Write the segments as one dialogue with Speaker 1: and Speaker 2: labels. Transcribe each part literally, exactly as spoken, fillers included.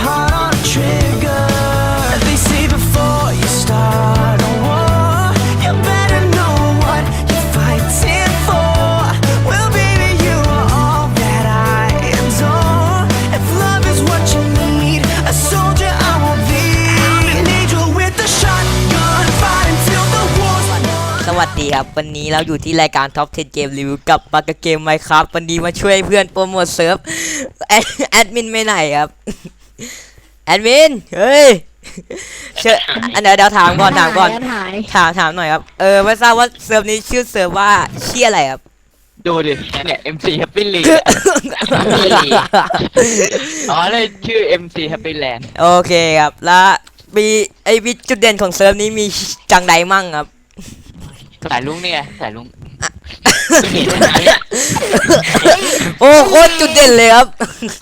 Speaker 1: heart on a trigger. They say before you start a war, you better know what you're fighting for. Well, baby, you are all that I adore. If love is what you need, a soldier I will be. I'm an angel with a shotgun, fighting till the war's won.
Speaker 2: สวัสดีครับวันนี้เราอยู่ที่รายการ Top สิบ เกมรีวิวกับปากกาเกม Minecraft วันนี้มาช่วยเพื่อนโปรโมทเซิร์ฟแอดมินไม่ไหนครับแอดมินเฮ้ยเชิญอันเดี๋ยวเดี๋ยวถามก่อนถามก่อนถามถามหน่อยครับเออไม่ทราบว่าเซิร์ฟนี้ชื่อเซิร์ฟว่าชื่ออะไรครับ
Speaker 3: ดูดิเนี่ย เอ็ม ซี Happy Land อ๋อเลยชื่อ เอ็ม ซี Happy Land
Speaker 2: โอเคครับแล้วมีไอมีจุดเด่นของเซิร์ฟนี้มีจังใดมั่งครับ
Speaker 3: สายลุงเนี่ยสายลุง
Speaker 2: โอ้โคตรจุดเด่นเลยครับ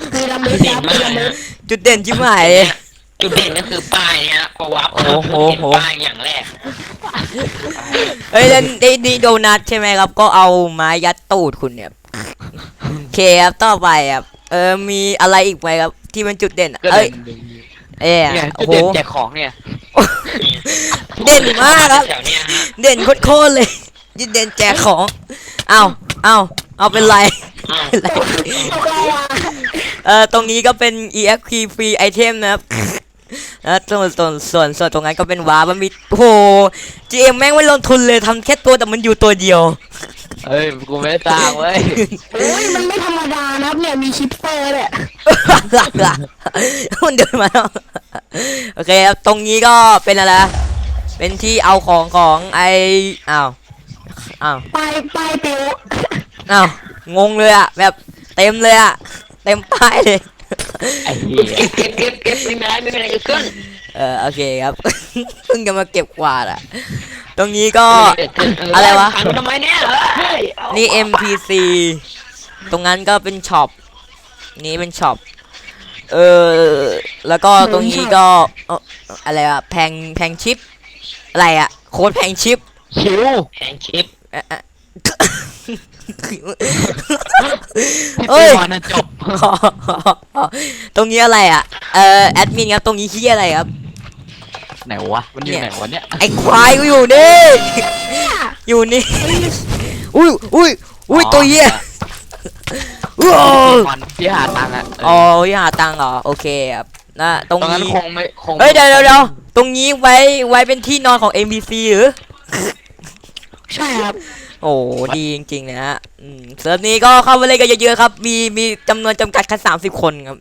Speaker 2: จุดเด่นชิบหาย
Speaker 4: จุดเด่นก็คือป้ายฮะเพราะว่า
Speaker 2: โอ้โห
Speaker 4: ป้ายอย่างแรก
Speaker 2: เฮ้ยนี่นี่โดนัทใช่ไหมครับก็เอาไม้ยัดตูดคุณเนี่ยโอเคครับต่อไปครับเออมีอะไรอีกไหมครับที่เป็นจุดเด่นเอ้ยเอ้ยโอ้โห
Speaker 3: แจกของเนี่ย
Speaker 2: เด่นมากครับเด่นโคตรเลยยิ่งเด่นแจกของเอาเอาเอาเป็นไรเออตรงนี้ก็เป็น อี เอ็กซ์ พี free item นะครับแล้วส่วนส่วนส่วนส่วนตรงนั้นก็เป็นวาร์มันมีโอ้โห จี เอ็ม แม่งไม่ลงทุนเลยทำแค่ตัวแต่มันอยู่ตัวเดียว
Speaker 3: เฮ้ยกูไม่ได้สร้างเว้ย
Speaker 5: เฮ้ยมันไม่ธรรมดานะครับเนี่ยมีชิปเปอร์เนี่ย
Speaker 2: มันเดินมาแล้วโอเคครับตรงนี้ก็เป็นอะไรเป็นที่เอาของของไออ้าวอ้าว
Speaker 5: ไปไปเตียว
Speaker 2: อ้าวงงเลยอะแบบเต็มเลยอะเต็มป้ายเลย
Speaker 3: ไอ้เหี้ย
Speaker 4: เก็บเก็บเก็บไม่ได้ไม่เป็นไรขึ้น
Speaker 2: เออโอเคครับเพิ่งจะมาเก็บกวาดอะตรงนี้ก็อะไรวะ
Speaker 4: ทำไมเนี่ย
Speaker 2: นี่ เอ็ม พี ซี ตรงนั้นก็เป็นช็อปนี้เป็นช็อปเออแล้วก็ตรงนี้ก็อะไรอะแพงแพงชิปอะไรอะโค้ดแพงชิป
Speaker 3: ชิว
Speaker 4: แพงชิป
Speaker 2: เอ้ย
Speaker 3: จบ
Speaker 2: ตรงนี้อะไรอะเอ่อแอดมินครับตรงนี้ขี้อะไรครับ
Speaker 3: ไหนวะมันอยู่ไหนวะเนี่ย
Speaker 2: ไอ้ควายกูอยู่นี่อยู่นี่อุ้ยอุ้ยอุ้ยตัวเหี้ย
Speaker 3: ที่หาตังค์อ่ะ
Speaker 2: อ๋อที่หาตังค์เหรอโอเคครับนะตรงนี้
Speaker 3: คงไม่คง
Speaker 2: เฮ้ยเดี๋ยวเดี๋ยวตรงนี้ไว้ไว้เป็นที่นอนของ เอ็ม บี ซี หรือ
Speaker 5: ใช่ครับ
Speaker 2: โอ้ดีจริงๆนะฮะเซิร์ฟนี้ก็เข้าไปเล่นกันเยอะๆครับมีมีจำนวนจำกัดแค่สามสิบคนครับ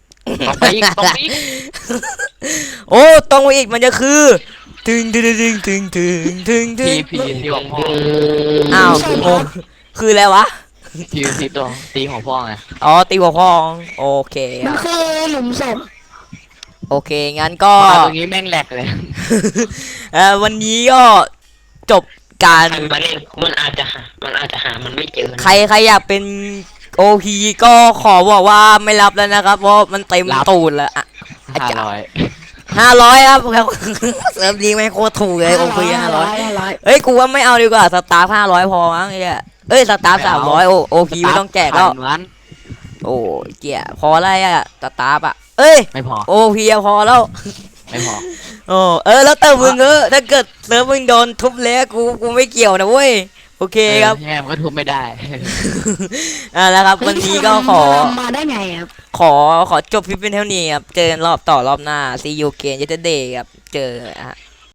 Speaker 2: โอ้ตรงไปอีกมันจะคือถึงถึงถึงถึงถึงถึงถึง
Speaker 3: พีพีตีของพ่อ
Speaker 2: อ้าวโอ้คืออะไรวะ
Speaker 3: พีพีตัวตีของพ่อไง
Speaker 2: อ๋อตีหัวพ่อโอเค
Speaker 5: มันคือหลุมศพ
Speaker 2: โอเคงั้นก็
Speaker 3: ตรงนี้แม่งแหลกเลย
Speaker 2: เอ่อวันนี้ก็จบการ
Speaker 4: มันมันอาจจะหามันอาจจะหามันไม่เจอ
Speaker 2: ใครใครอยากเป็นโอพีก็ขอบอกว่าไม่รับแล้วนะครับเพราะมันเต็มตูดแล้วอ่ะ
Speaker 3: ห้าร้อย
Speaker 2: ห้าร้อยครับเสริมดีไม่โคตรถูกเลยโอพีห้าร้อยเฮ้ยกูว่าไม่เอาดีกว่าสตาร์ห้าร้อยพอมั้งเนี่ยเอ้ยสตาร์สามร้อยโอโอพีไม่ต้องแจกแล้วโอ้เกี่ยพออะไรอะสตาร์อะเอ้ย
Speaker 3: ไม่พอ
Speaker 2: โอพีพอแล้ว
Speaker 3: ไม่พอ
Speaker 2: โอ้เออแล้วแต่มึงเออถ้าเกิดเซิร์ฟมึงโดนทุบเละกูกูไม่เกี่ยวนะเว้ยโอเคครับ
Speaker 3: แง่มันก็ทุบไม่ได้
Speaker 2: อ่าแล้วครับวันนี้ก็ขอ
Speaker 5: มาได้ไงครับ
Speaker 2: ขอขอจบคลิปเป็นเท่านี้ครับเจอกันรอบต่อรอบหน้า see you again yesterday ครับเจอฮะ